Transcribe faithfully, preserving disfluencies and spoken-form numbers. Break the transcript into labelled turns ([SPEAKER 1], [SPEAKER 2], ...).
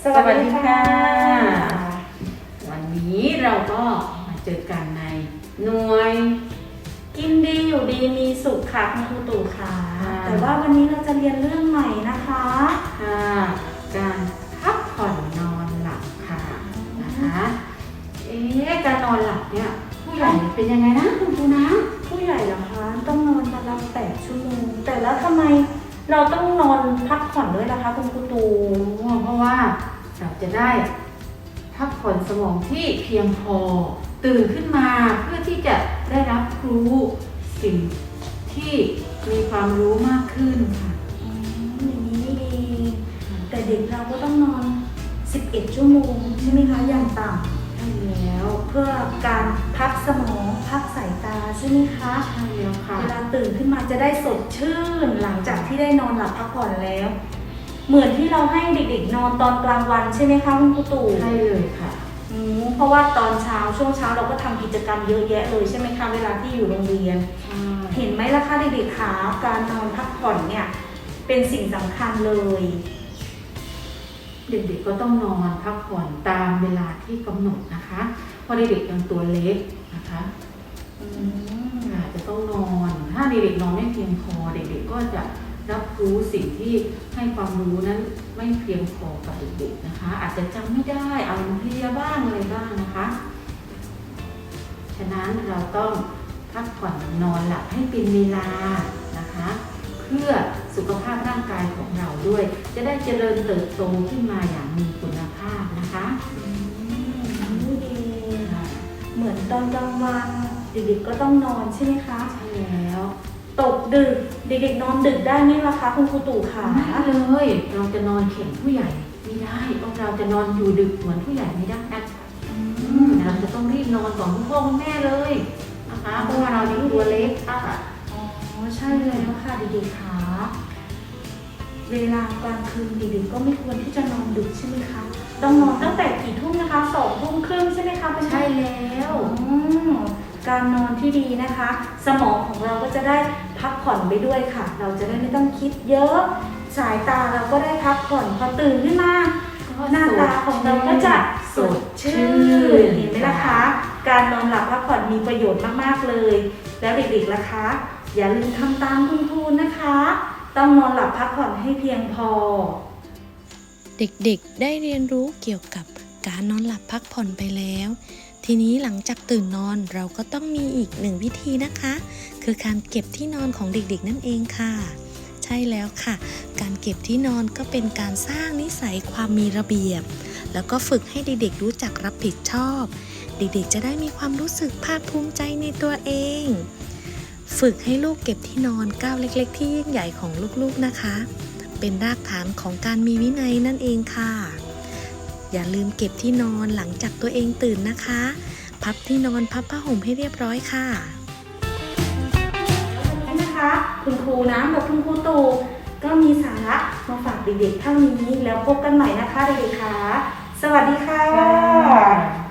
[SPEAKER 1] สวัสดีค่ะวันนี้เราก็มาเจอกันในหน่วย
[SPEAKER 2] กินดีอยู่ดีมีสุขค่ะคุณครูตู่ค่ะแต่ว่าวันนี้เราจะเรียนเรื่องใหม่นะคะ
[SPEAKER 1] ค่ะการพักผ่อนนอนหลับค่ะนะคะเอ๊ะการนอนหลับเนี่ยผู้ใหญ่เป็นยังไงนะคุณครูนะ
[SPEAKER 2] ผู้ใหญ่เหรอคะต้องนอนวันละแปดชั่วโมงแต่แล้วทำไมเราต้องนอนพักผ่อนด้วยล่ะคะคุณครูตู่
[SPEAKER 1] เพราะว่าเราจะได้พักผ่อนสมองที่เพียงพอตื่นขึ้นมาเพื่อที่จะได้รับรู้สิ่งที่มีความรู้มากขึ้นค่ะ
[SPEAKER 2] อย่างนี้นี่เองแต่เด็กเราก็ต้องนอนสิบเอ็ดชั่วโมงใช่ไหมคะอย่างต่ำ
[SPEAKER 1] ใช่แล้ว
[SPEAKER 2] เพื่อการพักสมองพักสายตาใช่ไหมคะ
[SPEAKER 1] ใช่แล้วค่ะ
[SPEAKER 2] เวลาตื่นขึ้นมาจะได้สดชื่นหลังจากที่ได้นอนหลับพักผ่อนแล้วเหมือนที่เราให้เด็กๆนอนตอนกลางวันใช่ไหมคะคุณครูตู่
[SPEAKER 1] ใช่เลยค่ะ
[SPEAKER 2] อืมเพราะว่าตอนเช้าช่วงเช้าเราก็ทำกิจกรรมเยอะแยะเลยใช่ไหมคะเวลาที่อยู่โรงเรียนเห็นไหมล่ะคะเด็กๆคะการนอนพักผ่อนเนี่ยเป็นสิ่งสำคัญเลย
[SPEAKER 1] เด็กๆก็ต้องนอนพักผ่อนตามเวลาที่กำหนดนะคะเพราะเด็กๆยังตัวเล็กนะคะ
[SPEAKER 2] อืม
[SPEAKER 1] อาจจะต้องนอนถ้าเด็กๆนอนไม่เพียงพอเด็กๆก็จะรับรู้สิ่งที่ให้ความรู้นั้นไม่เพียงพอกับเด็กๆนะคะอาจจะจำไม่ได้อารมณ์เพลียบ้างอะไรบ้างนะคะฉะนั้นเราต้องพักผ่อนนอนหลับให้เป็นเวลานะคะเพื่อสุขภาพร่างกายของเราด้วยจะได้เจริญเติบโตขึ้นมาอย่างมีคุณภาพนะคะ
[SPEAKER 2] นี่เองเหมือนตอนกลางวันเด็กๆก็ต้องนอนใช่ไหมคะ
[SPEAKER 1] ใช่แล้ว
[SPEAKER 2] ตกดึกเด็กๆนอนดึกได้ไหมล่ะคะคุณครูตู่คะ
[SPEAKER 1] ไม่เลยเราจะนอนเข็นผู้ใหญ่ไม่ได้เพราะเราจะนอนอยู่ดึกเหมือนผู้ใหญ่ไม่ได้เราจะต้องรีบนอนก่อนคุณพ่อคุณแม่เลยนะคะเพราะว่าเรายังตัวเล็กค่ะ
[SPEAKER 2] อ๋อใช่เลยค่ะเด็กๆคะเวลากลางคืนเด็กๆก็ไม่ควรที่จะนอนดึกใช่ไหมคะต้องนอนตั้งแต่กี่ทุ่มนะคะสองทุ่มครึ่งใช่ไหมคะ
[SPEAKER 1] ใช่แล้ว
[SPEAKER 2] การนอนที่ดีนะคะสมองของเราก็จะได้พักผ่อนไปด้วยค่ะเราจะได้ไม่ต้องคิดเยอะสายตาเราก็ได้พักผ่อนพอตื่นขึ้นมาหน้าตาของเราก็จะสดชื่นเห็นไหมล่ะคะการนอนหลับพักผ่อนมีประโยชน์มากๆเลยแล้วเด็กๆล่ะคะอย่าลืมทำตามคุณครูนะคะต้องนอนหลับพักผ่อนให้เพียงพอ
[SPEAKER 3] เด็กๆได้เรียนรู้เกี่ยวกับการนอนหลับพักผ่อนไปแล้วทีนี้หลังจากตื่นนอนเราก็ต้องมีอีกหนึ่งวิธีนะคะคือการเก็บที่นอนของเด็กๆนั่นเองค่ะใช่แล้วค่ะการเก็บที่นอนก็เป็นการสร้างนิสัยความมีระเบียบแล้วก็ฝึกให้เด็กๆรู้จักรับผิดชอบเด็กๆจะได้มีความรู้สึกภาคภูมิใจในตัวเองฝึกให้ลูกเก็บที่นอนก้าวเล็กๆที่ยิ่งใหญ่ของลูกๆนะคะเป็นรากฐานของการมีวินัยนั่นเองค่ะอย่าลืมเก็บที่นอนหลังจากตัวเองตื่นนะคะพับที่นอนพับผ้าห่มให้เรียบร้อยค่ะ
[SPEAKER 2] วันนี้นะคะคุณครูน้ำกับคุณครูตู่ก็มีสาระมาฝากเด็กๆเท่านี้แล้วพบกันใหม่นะคะเด็กๆค่ะสวัสดีค่ะ